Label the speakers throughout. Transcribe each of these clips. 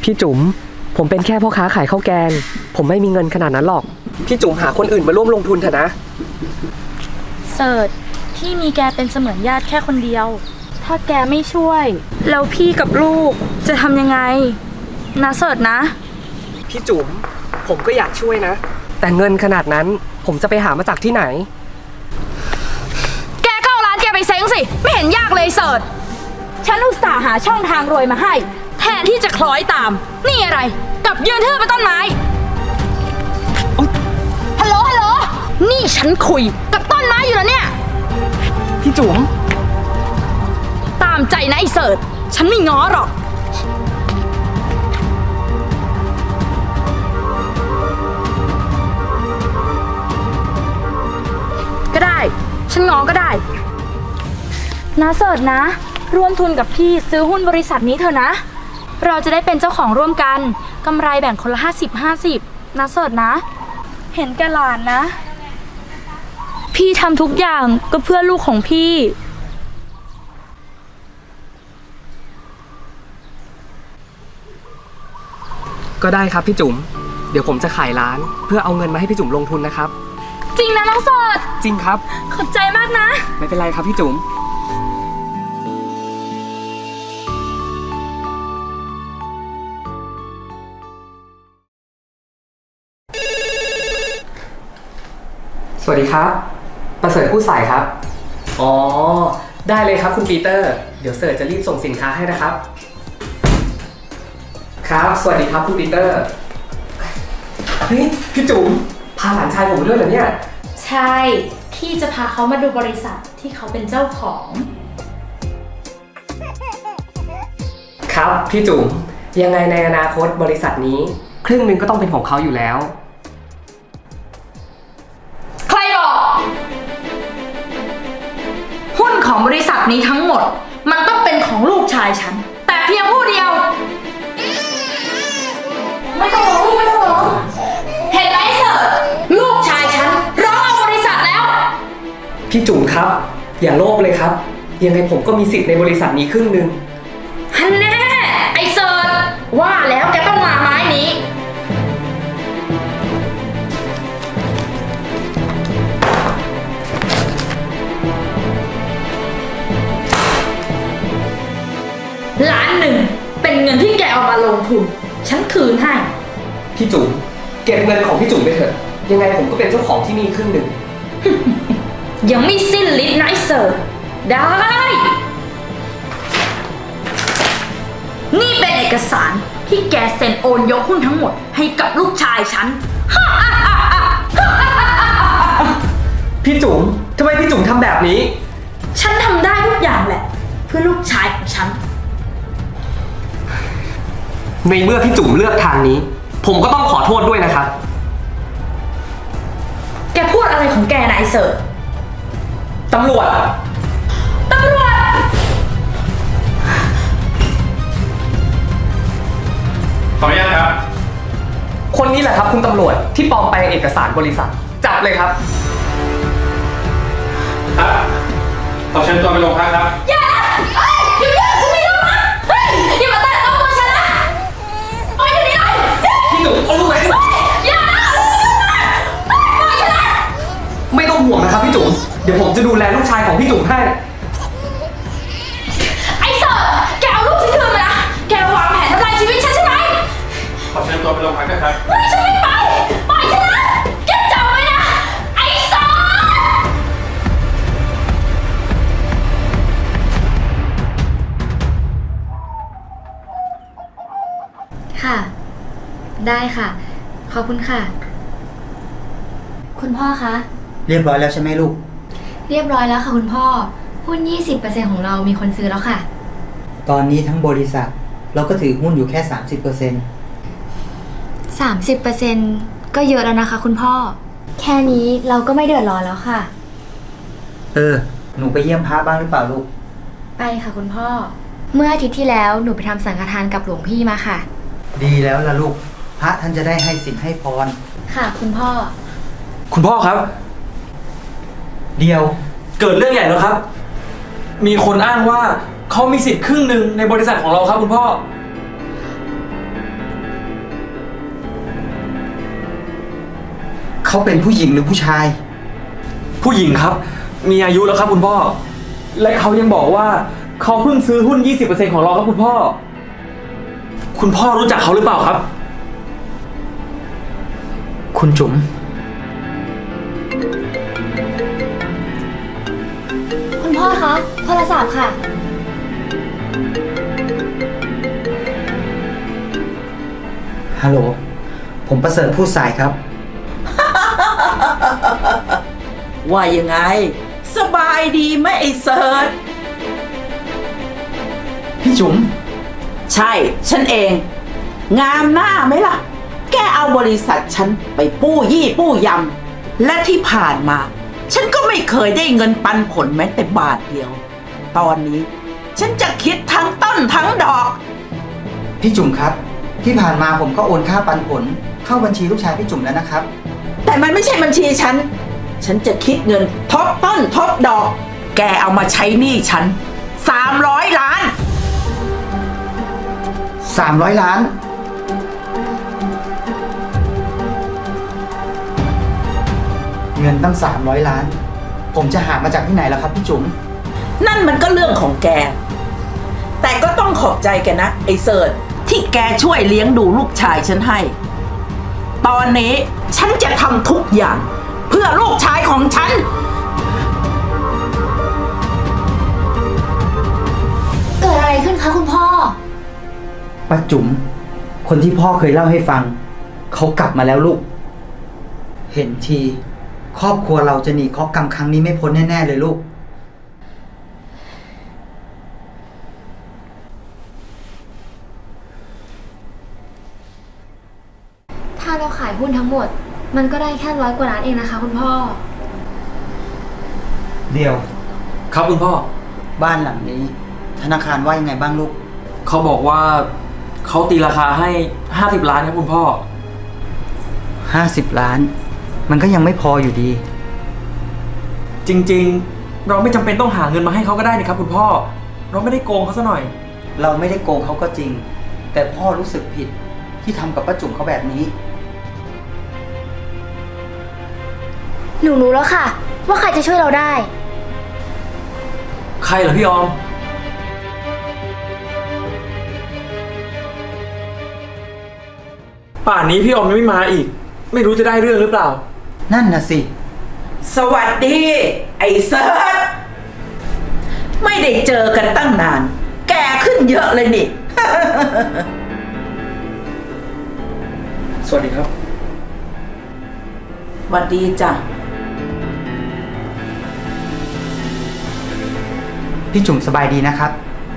Speaker 1: พี่จุ๋มผมเป็นแค่พ่อค้าขายข้าวแกงผมไม่มีเงินขนาดนั้นหรอกพี่จุ๋มหาคนอื่นมาร่วมลงทุนเถอะนะ
Speaker 2: เสิร์ชพี่มีแกเป็นเสมือนญาติแค่คนเดียวถ้าแกไม่ช่วยแล้วพี่กับลูกจะทำยังไงนะเสิร์ชนะ
Speaker 1: พี่จุ๋มผมก็อยากช่วยนะแต่เงินขนาดนั้นผมจะไปหามาจากที่ไหน
Speaker 2: แกเข้าร้านแกไปเซ้งสิไม่เห็นยากเลยเสิร์ชฉันอุตส่าห์หาช่องทางรวยมาให้แทนที่จะคล้อยตามนี่อะไรกับยืนเทื่อเป็นต้นไม้ฮัลโหลนี่ฉันคุยกับต้นไม้อยู่แล้วเนี่ย
Speaker 1: พี่จุ๋ม
Speaker 2: ตามใจนะไอ้เสิร์ชฉันไม่ง้อหรอกก็ได้ฉันง้อก็ได้นะเสิร์ชนะร่วมทุนกับพี่ซื้อหุ้นบริษัทนี้เถอะนะเราจะได้เป็นเจ้าของร่วมกันกำไรแบ่งคนละ50-50นะเสิร์ชนะเห็นแกหลานนะพี่ทำทุกอย่างก็เพื่อลูกของพี่
Speaker 1: ก็ได้ครับพี่จุ๋มเดี๋ยวผมจะขายร้านเพื่อเอาเงินมาให้พี่จุ๋มลงทุนนะครับ
Speaker 2: จริงนะน้องเสิร์ช
Speaker 1: จริงครับ
Speaker 2: ขอบใจมากนะ
Speaker 1: ไม่เป็นไรครับพี่จุ๋มสวัสดีครับประเสริฐผู้สายครับอ๋อได้เลยครับคุณปีเตอร์เดี๋ยวเสิร์ชจะรีบส่งสินค้าให้นะครับครับสวัสดีครับคุณปีเตอร์เฮ้ยพี่จุ๋มพาหลานชายผมมาด้วยเหรอเนี่ย
Speaker 2: ใช่พี่จะพาเขามาดูบริษัทที่เขาเป็นเจ้าของ
Speaker 1: ครับพี่จุ๋มยังไงในอนาคตบริษัทนี้ครึ่งหนึ่งก็ต้องเป็นของเขาอยู่แล้ว
Speaker 2: ใครบอกหุ้นของบริษัทนี้ทั้งหมดมันต้องเป็นของลูกชายฉันแต่เพียงผู้เดียวไม่ต้องร้องไม่ต้องร้องเห็นไหมเสิร์ชลูกชายฉันร้องเอาบริษัทแล้ว
Speaker 1: พี่จุ๋มครับอย่าโลภเลยครับยังไงผมก็มีสิทธิ์ในบริษัทนี้ครึ่งหนึ่ง
Speaker 2: ฮันแน่ไอเสิร์ชว่าแล้วแกต้องมาไม้นี้1,000,000เป็นเงินที่แกเอามาลงทุนฉันคืนให้
Speaker 1: พี่จุ๋มเก็บเงินของพี่จุ๋มไปเถอะยังไงผมก็เป็นเจ้าของที่นี่ครึ่งหนึ่ง
Speaker 2: ยังไม่สิ้นฤทธิ์นะไอ้เสิร์ชได้นี่เป็นเอกสารที่แกเซ็นโอนยกหุ้นทั้งหมดให้กับลูกชายฉัน
Speaker 1: พี่จุ๋มทำไมพี่จุ๋มทำแบบนี้
Speaker 2: ฉันทำได้ทุกอย่างแหละเพื่อลูกชายของฉัน
Speaker 1: ในเมื่อพี่จุ๋มเลือกทางนี้ผมก็ต้องขอโทษด้วยนะครับ
Speaker 2: แกพูดอะไรของแกนายเสิร์ช
Speaker 1: ตำรวจ
Speaker 3: ขออนุญาตครับ
Speaker 1: คนนี้แหละครับคุณตำรวจที่ปลอมแปลงเอกสารบริษัทจับเลยครับ
Speaker 3: ครับขอเชิญตัวไปโรงพักครับ
Speaker 2: อย่าฉันไม่รู้นะอย่ามาแตะต้องตัวฉันนะปล่อยฉันนี่เลย
Speaker 1: พี่จุ๋มเอาลูกไหม
Speaker 2: อย่าปล่อยฉันนะ
Speaker 1: ไม่ต้องห่วงนะครับพี่จุ๋มเดี๋ยวผมจะดูแลลูกชายของพี่จุ๋มให้
Speaker 2: ไอ้เสิร์ชแกเอาลูกฉันคืนมานะแกวางแผนทำลายชีวิตฉันใช่ไหม
Speaker 3: ขอเชิญตัวไปโรงพักครับ
Speaker 2: ไม่ฉันไม่ไปปล่อยฉันนะแกจำไว้นะไอ้เสิร์ช
Speaker 4: ค่ะได้ค่ะขอบคุณค่ะคุณพ่อคะ
Speaker 5: เรียบร้อยแล้วใช่ไหมลูก
Speaker 4: เรียบร้อยแล้วค่ะคุณพ่อหุ้น 20% ของเรามีคนซื้อแล้วค่ะ
Speaker 5: ตอนนี้ทั้งบริษัทเราก็ถือหุ้นอยู่แค่
Speaker 4: 30% ก็เยอะแล้วนะคะคุณพ่อแค่นี้เราก็ไม่เดือดร้อนแล้วค่ะ
Speaker 5: หนูไปเยี่ยมพระบ้างหรือเปล่าลูก
Speaker 4: ไปค่ะคุณพ่อเมื่ออาทิตย์ที่แล้วหนูไปทำสังฆทานกับหลวงพี่มาค่ะ
Speaker 5: ดีแล้วล่ะลูกพระท่านจะได้ให้ศีลให้พร
Speaker 4: ค่ะคุณพ่อ
Speaker 1: ครับ
Speaker 5: เดียว
Speaker 1: เกิดเรื่องใหญ่แล้วครับมีคนอ้างว่าเขามีสิทธิ์ครึ่งหนึ่งในบริษัทของเราครับคุณพ่อ
Speaker 5: เขาเป็นผู้หญิงหรือผู้ชาย
Speaker 6: ผู้หญิงครับ มีอายุแล้วครับคุณพ่อ และเขายังบอกว่าเขาเพิ่งซื้อหุ้น 20% ของเราครับคุณพ่อ คุณพ่อรู้จักเขาหรือเปล่าครับ
Speaker 5: คุณจุ๋ม
Speaker 4: คุณพ่อคะโทรศัพท์ค่ะ
Speaker 5: ฮัลโหล ผมประเสริฐผู้สายครับ
Speaker 7: ว่ายังไง สบายดีไหมไอ้เซิร์ช
Speaker 5: พี่จุ๋ม
Speaker 7: ใช่ ฉันเอง งามหน้าไหมล่ะ แกเอาบริษัทฉันไปปู้ยี่ปู้ยำ และที่ผ่านมา ฉันก็ไม่เคยได้เงินปันผลแม้แต่บาทเดียว ตอนนี้ ฉันจะคิดทั้งต้นทั้งดอก
Speaker 5: พี่จุ๋มครับ ที่ผ่านมาผมก็โอนค่าปันผล เข้าบัญชีลูกชายพี่จุ๋มแล้วนะครับ
Speaker 7: แต่มันไม่ใช่บัญชีฉัน ฉันจะคิดเงินทบต้นทบดอก แกเอามาใช้หนี้ฉัน300 ล้าน
Speaker 5: 300 ล้าน เงินตั้ง 300 ล้าน ผมจะหามาจากที่ไหนล่ะครับพี่จุ๋ม
Speaker 7: นั่นมันก็เรื่องของแก แต่ก็ต้องขอบใจแกนะไอ้เสิร์ชที่แกช่วยเลี้ยงดูลูกชายฉันให้ ตอนนี้ฉันจะทำทุกอย่าง เพื่อลูกชายของฉัน
Speaker 4: เกิดอะไรขึ้นคะคุณพ่อ
Speaker 5: ป้าจุ๋ม คนที่พ่อเคยเล่าให้ฟัง เขากลับมาแล้วลูก เห็นที ครอบครัวเราจะหนีเคราะห์กรรมครั้งนี้ไม่พ้นแน่ๆเลยลูก
Speaker 4: ถ้าเราขายหุ้นทั้งหมด มันก็ได้แค่100 กว่าล้านเองนะคะคุณพ่อ
Speaker 5: เดียว
Speaker 6: ครับคุณพ่อ
Speaker 5: บ้านหลังนี้ ธนาคารว่ายังไงบ้างลูก
Speaker 6: เขาบอกว่าเขาตีราคาให้ 50 ล้านครับคุณพ่อ
Speaker 5: 50 ล้าน มันก็ยังไม่พออยู่ดี
Speaker 6: จริงๆ เราไม่จำเป็นต้องหาเงินมาให้เขาก็ได้นี่ครับคุณพ่อ เราไม่ได้โกงเขาซะหน่อย
Speaker 5: เราไม่ได้โกงเขาก็จริง แต่พ่อรู้สึกผิดที่ทำกับป้าจุ๋มเขาแบบนี้
Speaker 4: หนูรู้แล้วค่ะ ว่าใครจะช่วยเราได้
Speaker 6: ใครเหรอพี่ออม ป่านนี้พี่ออมยังไม่มาอีก ไม่รู้จะได้เรื่องหรือเปล่า
Speaker 5: นั่นน่ะสิ
Speaker 7: สวัสดี ไอ้เซิร์ชไม่ได้เจอกันตั้งนาน แกขึ้นเยอะเลยนี่
Speaker 6: สวัสดีครับ
Speaker 7: สวัสดีจ้ะ
Speaker 5: พี่จุ๋มสบายดีนะครับ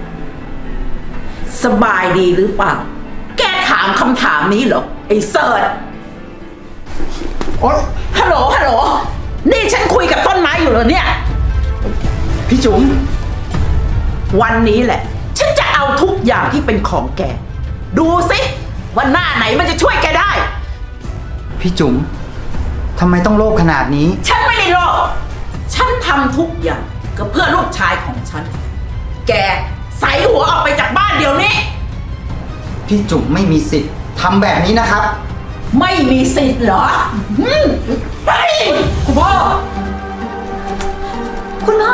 Speaker 7: สบายดีหรือเปล่า แกถามคำถามนี้เหรอ ไอ้เซิร์ช
Speaker 5: โอ๊ย
Speaker 7: ฮัลโหล ฮัลโหล นี่ฉันคุยกับต้นไม้อยู่เหรอเนี่ย
Speaker 5: พี่จุ๋ม
Speaker 7: วันนี้แหละ ฉันจะเอาทุกอย่างที่เป็นของแก ดูสิว่าหน้าไหนมันจะช่วยแกได้
Speaker 5: พี่จุ๋ม ทำไมต้องโลภขนาดนี้
Speaker 7: ฉันไม่ได้โลภฉันทำทุกอย่างก็เพื่อลูกชายของฉัน แกใส่หัวออกไปจากบ้านเดี๋ยวนี้
Speaker 5: พี่จุ๋มไม่มีสิทธิ์ทำแบบนี้นะครับ
Speaker 7: ไม่มีสิทธิ์เหรอไป
Speaker 6: คุณพ่อ
Speaker 4: คุณพ่อ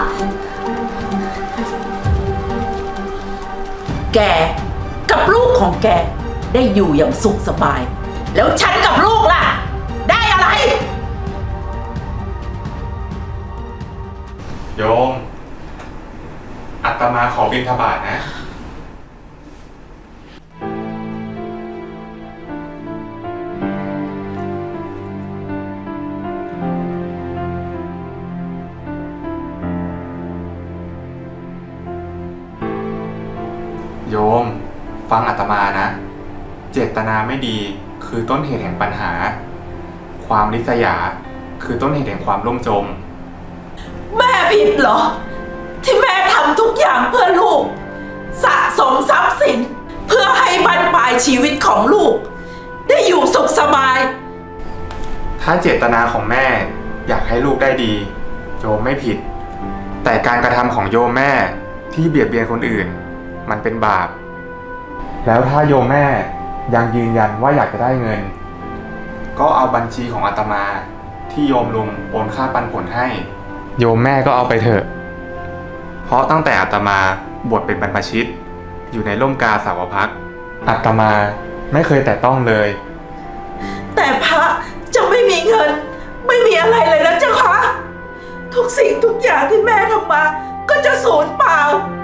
Speaker 7: แกกับลูกของแกได้อยู่อย่างสุขสบาย แล้วฉันกับลูกล่ะ ได้อะไร
Speaker 3: โยม อาตมาขอบิณฑบาตนะ โยม ฟังอาตมานะ เจตนาไม่ดีคือต้นเหตุแห่งปัญหา ความริษยาคือต้นเหตุแห่งความล่มจม
Speaker 7: แม่ผิดเหรอ ที่แม่ทำทุกอย่างเพื่อลูก สะสมทรัพย์สิน เพื่อให้บรรปลายชีวิตของลูก ได้อยู่สุขสบาย
Speaker 3: ถ้าเจตนาของแม่อยากให้ลูกได้ดี โยมไม่ผิด แต่การกระทำของโยมแม่ที่เบียดเบียนคนอื่น มันเป็นบาป แล้วถ้าโยมแม่ยังยืนยันว่าอยากจะได้เงินก็เอาบัญชีของอาตมาที่โยมลุงโอนค่าปันผลให้ โยมแม่ก็เอาไปเถอะ เพราะตั้งแต่อาตมาบวชเป็นบรรพชิตอยู่ในร่มกาสาวพักตร์อาตมาไม่เคยแตะต้องเลย
Speaker 7: แต่พระจะไม่มีเงิน ไม่มีอะไรเลยนะเจ้าคะทุกสิ่งทุกอย่างที่แม่ทำมา ก็จะสูญเปล่า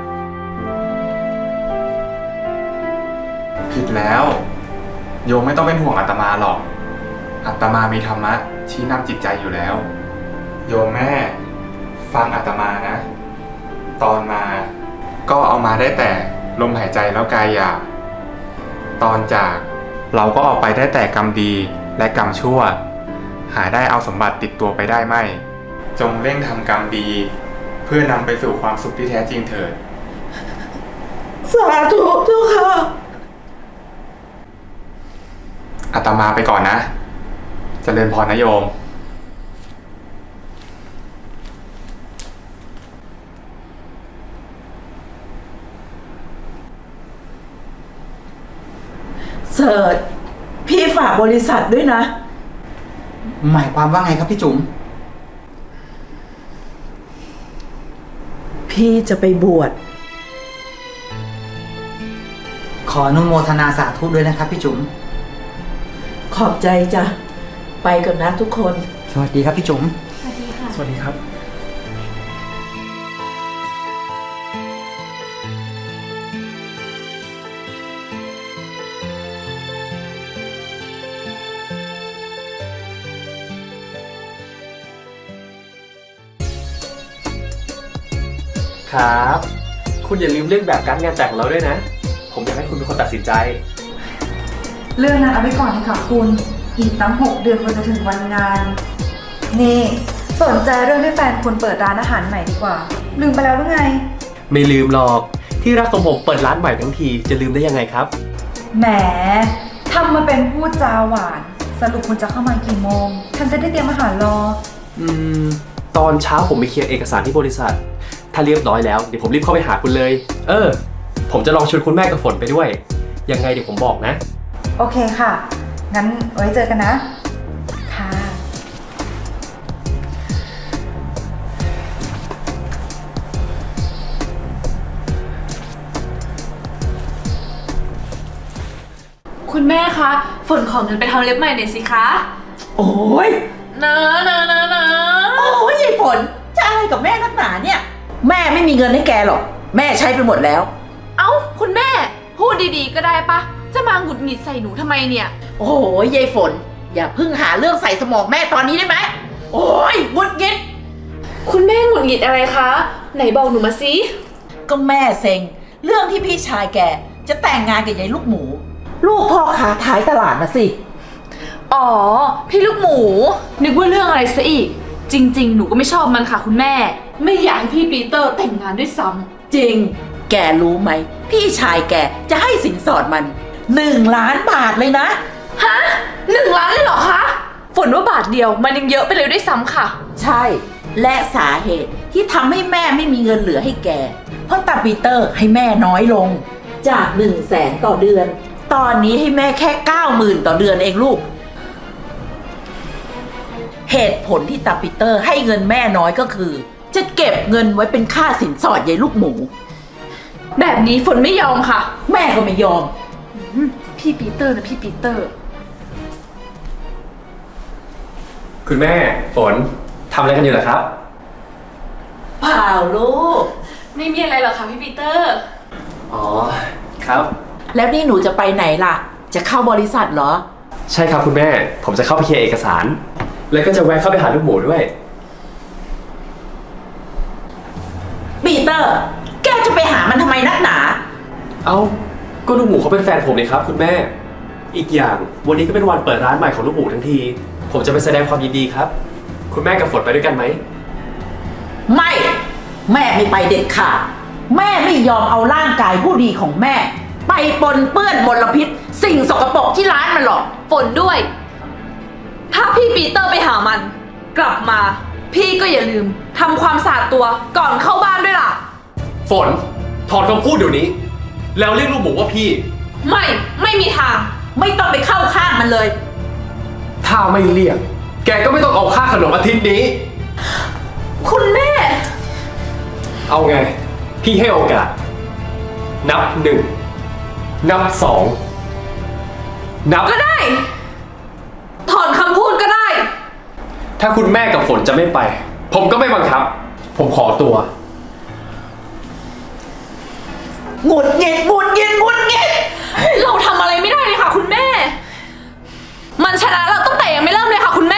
Speaker 3: ผิดแล้ว โยมไม่ต้องเป็นห่วงอาตมาหรอกอาตมามีธรรมะชี้นำจิตใจอยู่แล้ว โยมแม่ฟังอาตมานะ ตอนมาก็เอามาได้แต่ลมหายใจแล้วกายหยาบตอนจากเราก็ออกไปได้แต่กรรมดีและกรรมชั่ว หาได้เอาสมบัติติดตัวไปได้ไม่ จงเร่งทำกรรมดี เพื่อนำไปสู่ความสุขที่แท้จริงเถิด
Speaker 7: สาธุเจ้าค่ะ
Speaker 3: อาตมาไปก่อนนะเจริญพรนะโยม
Speaker 7: เสิร์ชพี่ฝากบริษัทด้วยนะ
Speaker 5: หมายความว่าไงครับพี่จุ๋ม
Speaker 7: พี่จะไปบวช
Speaker 5: ขออนุโมทนาสาธุด้วยนะครับพี่จุ๋ม
Speaker 7: ขอบใจจ้ะ ไปก่อนนะทุกคน
Speaker 5: สวัสดีครับพี่จุ๋ม
Speaker 6: สวัสดีครับ
Speaker 1: ครับ คุณอย่าลืมเรื่องแบบการดงานแต่งของเราด้วยนะ ผมอยากให้คุณเป็นคนตัดสินใจ
Speaker 8: เรื่องนั้นเอาไว้ก่อนเลยค่ะคุณ อีกตั้ง6 เดือนกว่าจะถึงวันงาน นี่ สนใจเรื่องที่แฟนคุณเปิดร้านอาหารใหม่ดีกว่า ลืมไปแล้วหรือไง
Speaker 1: ไม่ลืมหรอก ที่รักของผมเปิดร้านใหม่ทั้งทีจะลืมได้ยังไงครับ
Speaker 8: แหมทำมาเป็นพูดจาหวาน สรุปคุณจะเข้ามากี่โมง ฉันจะได้เตรียมอาหารรอ
Speaker 1: ตอนเช้าผมไปเคลียร์เอกสารที่บริษัท ถ้าเรียบร้อยแล้วเดี๋ยวผมรีบเข้าไปหาคุณเลย ผมจะลองชวนคุณแม่กับฝนไปด้วย ยังไงเดี๋ยวผมบอกนะ
Speaker 8: โอเคค่ะ งั้นไว้เจอกันนะ ค่ะ
Speaker 2: คุณแม่คะ ฝนขอเงินไปทำเล็บใหม่หน่อยสิคะ
Speaker 7: โอ้ย
Speaker 2: นะ
Speaker 7: โอ้ยยายฝนจะอะไรกับแม่นักหนาเนี่ย แม่ไม่มีเงินให้แกหรอก แม่ใช้ไปหมดแล้ว
Speaker 2: เอ้า คุณแม่ พูดดีๆก็ได้ปะ จะมาหงุดหงิดใส่หนูทำไมเนี่ย
Speaker 7: โอ้ยยายฝน อย่าเพิ่งหาเรื่องใส่สมองแม่ตอนนี้ได้ไหม โอ้ยหงุดหงิด
Speaker 2: คุณแม่หงุดหงิดอะไรคะ ไหนบอกหนูมาสิ
Speaker 7: ก็แม่เซ็ง เรื่องที่พี่ชายแกจะแต่งงานกับยายลูกหมู ลูกพ่อค้าท้ายตลาดนะสิ
Speaker 2: อ๋อ พี่ลูกหมู นึกว่าเรื่องอะไรซะอีก จริงๆ หนูก็ไม่ชอบมันค่ะคุณแม่ ไม่อยากให้พี่ปีเตอร์แต่งงานด้วยซ้ำ
Speaker 7: จริง แกรู้ไหม พี่ชายแกจะให้สินสอดมัน1 ล้านบาทเลยนะ
Speaker 2: ฮะ1 ล้านเลยเหรอคะ ฝนว่าบาทเดียวมันยังเยอะไปเลยด้วยซ้ำค่ะ
Speaker 7: ใช่ และสาเหตุที่ทำให้แม่ไม่มีเงินเหลือให้แก เพราะตาปีเตอร์ให้แม่น้อยลง จาก100,000ต่อเดือน ตอนนี้ให้แม่แค่90,000ต่อเดือนเองลูก เหตุผลที่ตาปีเตอร์ให้เงินแม่น้อยก็คือ จะเก็บเงินไว้เป็นค่าสินสอดยายลูกหมู
Speaker 2: แบบนี้ฝนไม่ยอมค่ะ
Speaker 7: แม่ก็ไม่ยอม
Speaker 2: พี่ปีเตอร์นะพี่ปีเตอร์
Speaker 1: คุณแม่ฝนทำอะไรกันอยู่เหรอครับ
Speaker 7: เปล่าลูก
Speaker 2: ไม่มีอะไรหรอกค่ะพี่ปีเตอร์
Speaker 1: อ๋อ ครับ
Speaker 7: แล้วนี่หนูจะไปไหนล่ะ จะเข้าบริษัทเหรอ
Speaker 1: ใช่ครับคุณแม่ ผมจะเข้าไปเคลียร์เอกสาร แล้วก็จะแวะเข้าไปหาลูกหมูด้วย
Speaker 7: ปีเตอร์ แกจะไปหามันทำไมนักหนา
Speaker 1: ก็ลูกหมูเขาเป็นแฟนผมนี่ครับคุณแม่ อีกอย่างวันนี้ก็เป็นวันเปิดร้านใหม่ของลูกหมูทั้งที ผมจะไปแสดงความยินดีครับ คุณแม่กับฝนไปด้วยกันไหม
Speaker 7: ไม่ แม่ไม่ไปเด็ดขาด แม่ไม่ยอมเอาร่างกายผู้ดีของแม่ ไปปนเปื้อนมลพิษ สิ่งสกปรกที่ร้านมันหรอก
Speaker 2: ฝนด้วย ถ้าพี่ปีเตอร์ไปหามัน กลับมา พี่ก็อย่าลืมทำความสะอาดตัวก่อนเข้าบ้านด้วยล่ะ
Speaker 1: ฝนถอนคำพูดเดี๋ยวนี้ แล้วเรียกลูกหมูว่าพี่
Speaker 2: ไม่มีทาง
Speaker 7: ไม่ต้องไปเข้าข้างมันเลย
Speaker 1: ถ้าข้าไม่เรียก แกก็ไม่ต้องเอาค่าขนมอาทิตย์นี้
Speaker 2: คุณแม่
Speaker 1: เอาไง พี่ให้โอกาส นับ 1 นับ 2 นับ
Speaker 2: ก็ได้ ถอนคำพูดก็ได้
Speaker 1: ถ้าคุณแม่กับฝนจะไม่ไป ผมก็ไม่บังคับ ผมขอตัว
Speaker 7: หงุดหงิดหงุดหงิดหงุดหงิด
Speaker 2: เราทำอะไรไม่ได้เลยค่ะคุณแม่ มันชนะเราตั้งแต่ยังไม่เริ่มเลยค่ะคุณแม่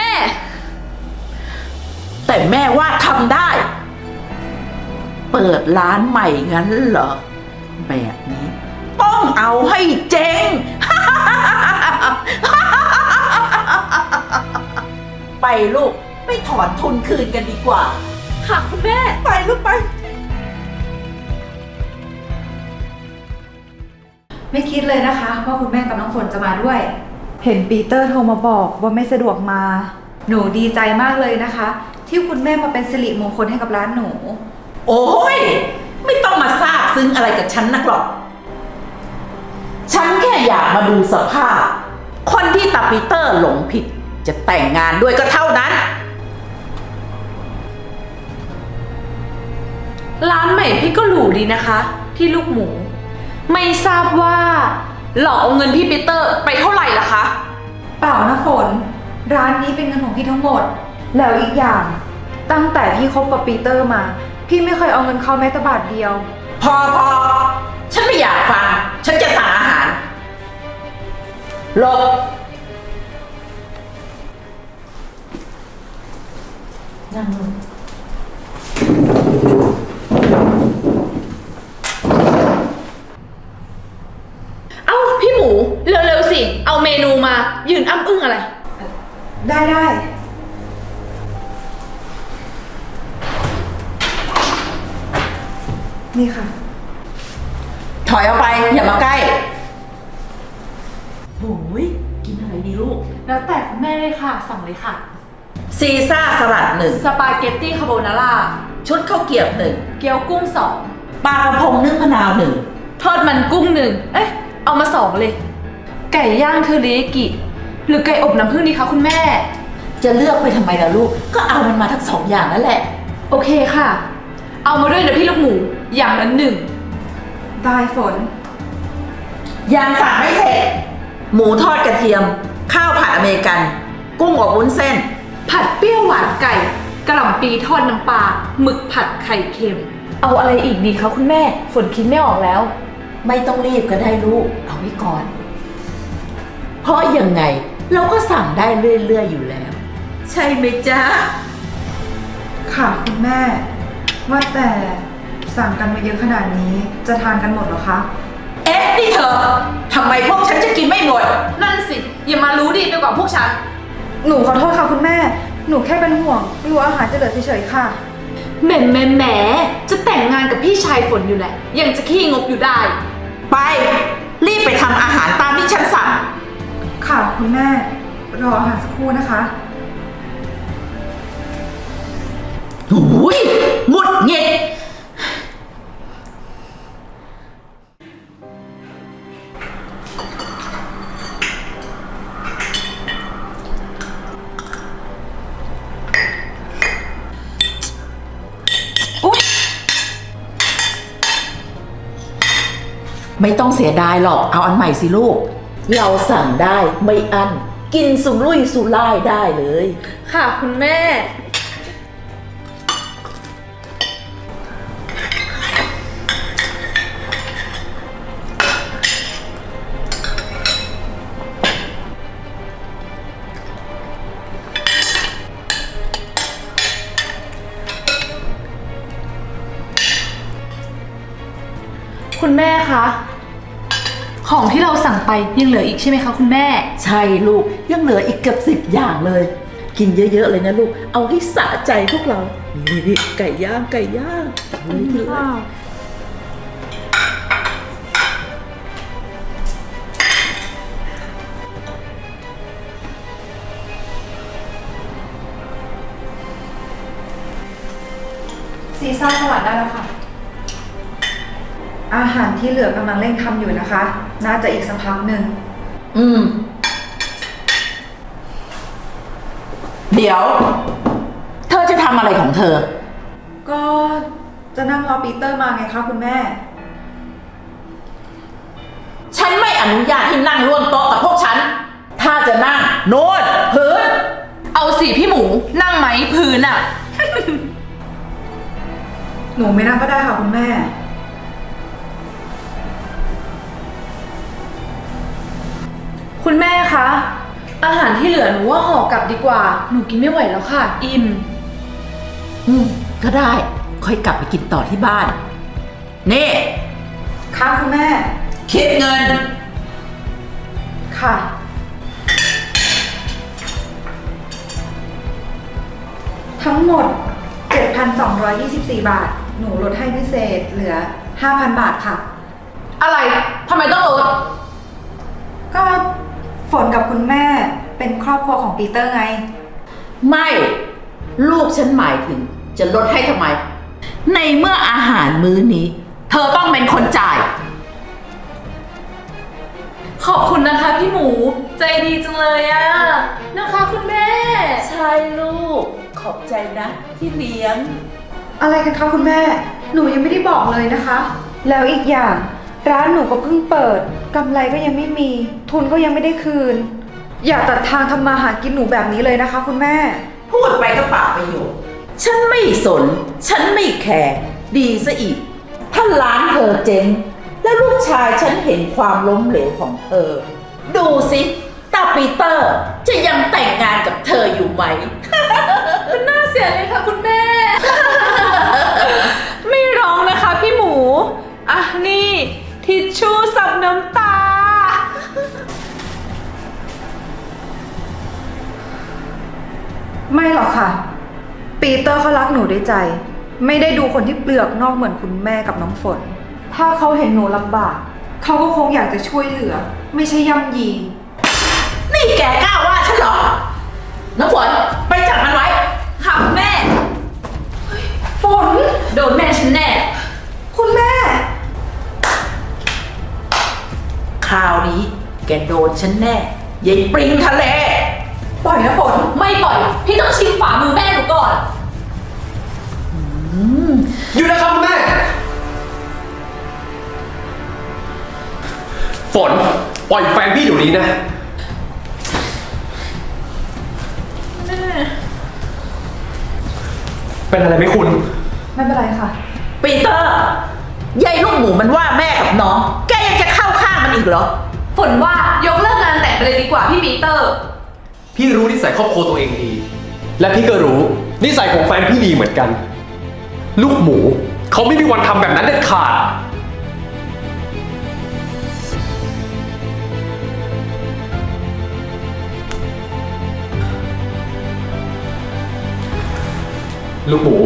Speaker 7: แต่แม่ว่าทำได้ เปิดร้านใหม่งั้นเหรอ แบบนี้ ต้องเอาให้เจ๊ง ไปลูก ไปถอนทุนคืนกันดีกว่า
Speaker 2: ค่ะคุณแม่
Speaker 7: ไปลูกไป
Speaker 8: ไม่คิดเลยนะคะว่าคุณแม่กับน้องฝนจะมาด้วย เห็นปีเตอร์โทรมาบอกว่าไม่สะดวกมา หนูดีใจมากเลยนะคะ ที่คุณแม่มาเป็นสิริมงคลให้กับร้านหนู
Speaker 7: โอ้ย ไม่ต้องมาซาบซึ้งอะไรกับฉันนักหรอก ฉันแค่อยากมาดูสภาพ คนที่ตาปีเตอร์หลงผิด จะแต่งงานด้วยก็เท่านั้น
Speaker 2: ร้านใหม่พี่ก็หรูดีนะคะ พี่ลูกหมู ไม่ทราบว่าหลอกเอาเงินพี่ปีเตอร์ไปเท่าไหร่ล่ะคะ
Speaker 8: เปล่านะฝน ร้านนี้เป็นเงินของพี่ทั้งหมด แล้วอีกอย่าง ตั้งแต่พี่คบกับปีเตอร์มา พี่ไม่เคยเอาเงินเขาแม้แต่บาทเดียว
Speaker 7: พอ ฉันไม่อยากฟัง ฉันจะสั่งอาหารหลบนั่งลง
Speaker 2: เอ้าพี่หมู เร็วๆสิ เอาเมนูมา ยืนอ้ำอึ้งอะไร
Speaker 8: ได้ นี่ค่ะ
Speaker 7: ถอยออกไป อย่ามาใกล้โอ้ยกินอะไรดีลูก
Speaker 2: แล้วแต่คุณแม่เลยค่ะ สั่งเลยค่ะ
Speaker 7: ซีซ่าสลัดหนึ่ง
Speaker 2: สปาเกตตี้คาโบนาร่า
Speaker 7: ชุดข้าวเกรี๊ยวหนึ่ง
Speaker 2: เกี๊ยวกุ้งสอง
Speaker 7: ปลากระพงนึ่งมะนาวหนึ่ง
Speaker 2: ทอดมันกุ้งหนึ่ง เอ๊ะ เอามาสองเลย ไก่ย่างเทอริยากิ หรือไก่อบน้ำผึ้งดีคะคุณแม่
Speaker 7: จะเลือกไปทำไมล่ะลูก ก็เอามันมาทั้งสองอย่างนั่นแหละ
Speaker 2: โอเคค่ะ เอามาด้วยนะพี่ลูกหมู อย่างละหนึ่ง
Speaker 8: ได้ฝน
Speaker 7: ยังสั่งไม่เสร็จ หมูทอดกระเทียม ข้าวผัดอเมริกัน กุ้งอบวุ้นเส้น
Speaker 2: ผัดเปรี้ยวหวานไก่กะหล่ำปีทอดน้ำปลาหมึกผัดไข่เค็ม เอาอะไรอีกดีคะคุณแม่ ฝนคิดไม่ออกแล้ว
Speaker 7: ไม่ต้องรีบก็ได้ลูก เอาไว้ก่อน เพราะยังไงเราก็สั่งได้เรื่อยๆอยู่แล้ว ใช่ไหมจ๊ะ
Speaker 8: ค่ะคุณแม่ ว่าแต่สั่งกันมาเยอะขนาดนี้จะทานกันหมดเหรอคะ
Speaker 7: เอ๊ะนี่เธอทำไมพวกฉันจะกินไม่หมด
Speaker 2: นั่นสิ อย่ามารู้ดีไปกว่าพวกฉัน
Speaker 8: หนูขอโทษค่ะคุณแม่ หนูแค่เป็นห่วงกลัวอาหารจะเหลือเฉยๆค่ะ
Speaker 2: แหมจะแต่งงานกับพี่ชายฝนอยู่แหละ ยังจะขี้งกอยู่ได้
Speaker 7: ไป รีบไปทำอาหารตามที่ฉันสั่ง
Speaker 8: ค่ะคุณแม่ รออาหารสักครู่นะคะ
Speaker 7: หูยหงุดหงิด ไม่ต้องเสียดายหรอก เอาอันใหม่สิลูก เราสั่งได้ไม่อั้น กินสุรุ่ยสุร่ายได้เลย
Speaker 2: ค่ะคุณแม่ คุณแม่คะ ของที่เราสั่งไปยังเหลืออีกใช่ไหมคะคุณแม่
Speaker 7: ใช่ลูกยังเหลืออีกเกือบ10 อย่างเลย กินเยอะๆเลยนะลูก เอาให้สะใจพวกเรา นี่ไก่ย่างไก่ย่างเลย
Speaker 8: ซีซ่าสลัดได้แล้วค่ะ อาหารที่เหลือกำลังเร่งทำอยู่นะคะ น่าจะอีกสักพักหนึ่ง
Speaker 7: อืมเดี๋ยว เธอจะทำอะไรของเธอ
Speaker 8: ก็จะนั่งรอปีเตอร์มาไงคะคุณแม่
Speaker 7: ฉันไม่อนุญาตให้นั่งร่วมโต๊ะกับพวกฉัน ถ้าจะนั่งโน่นพื้น
Speaker 2: เอาสิพี่หมูนั่งไหมพื้นอะ
Speaker 8: หนูไม่นั่งก็ได้ค่ะคุณแม่
Speaker 2: คุณแม่คะ อาหารที่เหลือหนูว่าห่อกลับดีกว่า หนูกินไม่ไหวแล้วค่ะ อิ่ม
Speaker 7: ก็ได้ ค่อยกลับไปกินต่อที่บ้าน นี่
Speaker 8: ค่ะคุณแม่
Speaker 7: คิดเงิน
Speaker 8: ค่ะ ทั้งหมด 7,224 บาท หนูลดให้พิเศษเหลือ 5,000 บาทค่ะ
Speaker 2: อะไรทำไมต้องลด
Speaker 8: ก็ฝนกับคุณแม่เป็นครอบครัวของปีเตอร์ไง
Speaker 7: ไม่ ลูกฉันหมายถึงจะลดให้ทำไม ในเมื่ออาหารมื้อนี้ เธอต้องเป็นคนจ่าย
Speaker 2: ขอบคุณนะคะพี่หมูใจดีจังเลยอะนะคะคุณแม่
Speaker 7: ใช่ลูก ขอบใจนะที่เลี้ยง
Speaker 8: อะไรกันคะคุณแม่ หนูยังไม่ได้บอกเลยนะคะ แล้วอีกอย่าง ร้านหนูก็เพิ่งเปิดกำไรก็ยังไม่มี ทุนก็ยังไม่ได้คืน อย่าตัดทางทำมาหากินหนูแบบนี้เลยนะคะคุณแม่
Speaker 7: พูดไปก็เปล่าประโยชน์ ฉันไม่สน ฉันไม่แคร์ดีซะอีก ถ้าร้านเธอเจ๊ง แล้วลูกชายฉันเห็นความล้มเหลวของเธอ ดูสิตาปีเตอร์จะยังแต่งงานกับเธออยู่ไหม
Speaker 2: มันน่าเสียเลยค่ะคุณแม่ ไม่ร้องนะคะพี่หมู อ่ะนี่ทิชชู่ซับน้ำตา
Speaker 8: ไม่หรอกค่ะ ปีเตอร์เขารักหนูด้วยใจ ไม่ได้ดูคนที่เปลือกนอกเหมือนคุณแม่กับน้องฝน ถ้าเขาเห็นหนูลำบาก เขาก็คงอยากจะช่วยเหลือ ไม่ใช่ย่ำยี
Speaker 7: นี่แกกล้าว่าฉันเหรอ น้ำฝนไปจับมันไว้
Speaker 2: ค่ะคุณแม่
Speaker 8: ฝน
Speaker 2: โดนแม่ฉันแน่
Speaker 8: คุณแม่
Speaker 7: คราวนี้แกโดนฉันแน่ยายปริงทะเล
Speaker 8: ปล่อยนะฝน
Speaker 2: ไม่ปล่อย พี่ต้องชิมฝ่ามือแม่หนูก่อน
Speaker 1: อยู่นะครับคุณแม่ ฝน ปล่อยแฟนพี่เดี๋ยวนี้นะ เป็นอะไรไหมคุณ
Speaker 8: ไม่เป็นไรค่ะ
Speaker 7: ปีเตอร์ยายลูกหมูมันว่าแม่กับน้อง แกยังจะเข้าข้างมันอีกเหรอ
Speaker 2: ฝนว่ายกเลิกงานแต่งไปเลยดีกว่าพี่ปีเตอร์
Speaker 1: พี่รู้นิสัยครอบครัวตัวเองดี และพี่ก็รู้นิสัยของแฟนพี่ดีเหมือนกัน ลูกหมูเขาไม่มีวันทำแบบนั้นเด็ดขาด ลูกหมู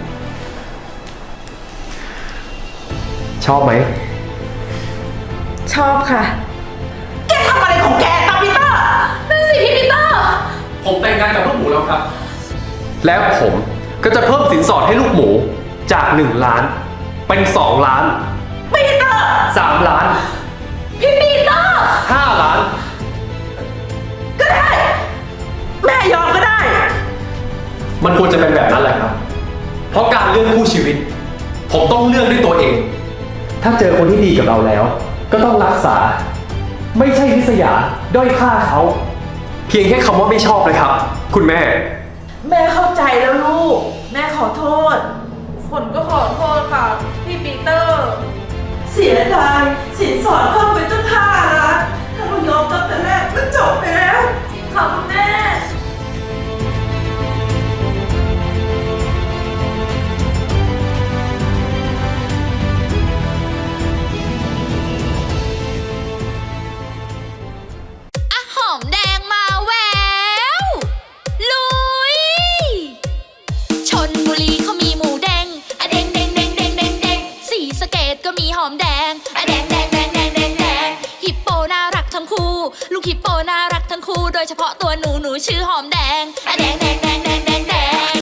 Speaker 1: ชอบไหม
Speaker 8: ชอบค่ะ
Speaker 7: แกทำอะไรของแกตาปีเตอร์
Speaker 2: นั่นสิพี่ปีเตอร์
Speaker 1: ผมแต่งงานกับลูกหมูแล้วครับ แล้วผมก็จะเพิ่มสินสอดให้ลูกหมูจาก 1 ล้าน เป็น 2 ล้าน
Speaker 7: ปีเตอร์
Speaker 1: 3 ล้าน
Speaker 2: พี่ปีเตอร์
Speaker 1: 5 ล้าน
Speaker 7: ก็ได้ แม่ยอมก็ได้
Speaker 1: มันควรจะเป็นแบบนั้นแหละครับ เพราะการเลือกคู่ชีวิต ผมต้องเลือกด้วยตัวเอง ถ้าเจอคนที่ดีกับเราแล้ว ก็ต้องรักษา ไม่ใช่ริษยาด้อยค่าเขา เพียงแค่คำว่าไม่ชอบเลยครับ คุณแม่
Speaker 7: แม่เข้าใจแล้วลูก แม่ขอโทษ
Speaker 2: ฝนก็ขอโทษค่ะ พี่ปีเตอร์
Speaker 7: เสียดายสินสอดเพิ่มไปตั้ง5 ล้าน ถ้าเรายอมตั้งแต่แรกมันจบไปแล้ว
Speaker 2: จริงค่ะคุณแม่
Speaker 9: หอมแดงมาแววลุยชนบุรีเขามีหมูแดงอะแดงแดงแดงแดงแดงแดงสีสะเกดก็มีหอมแดงอะแดงแดงแดงแดงแดงแดงฮิปโปน่ารักทั้งคู่ลูกฮิปโปน่ารักทั้งคู่โดยเฉพาะตัวหนูชื่อหอมแดงอะแดงแดงแดงแดง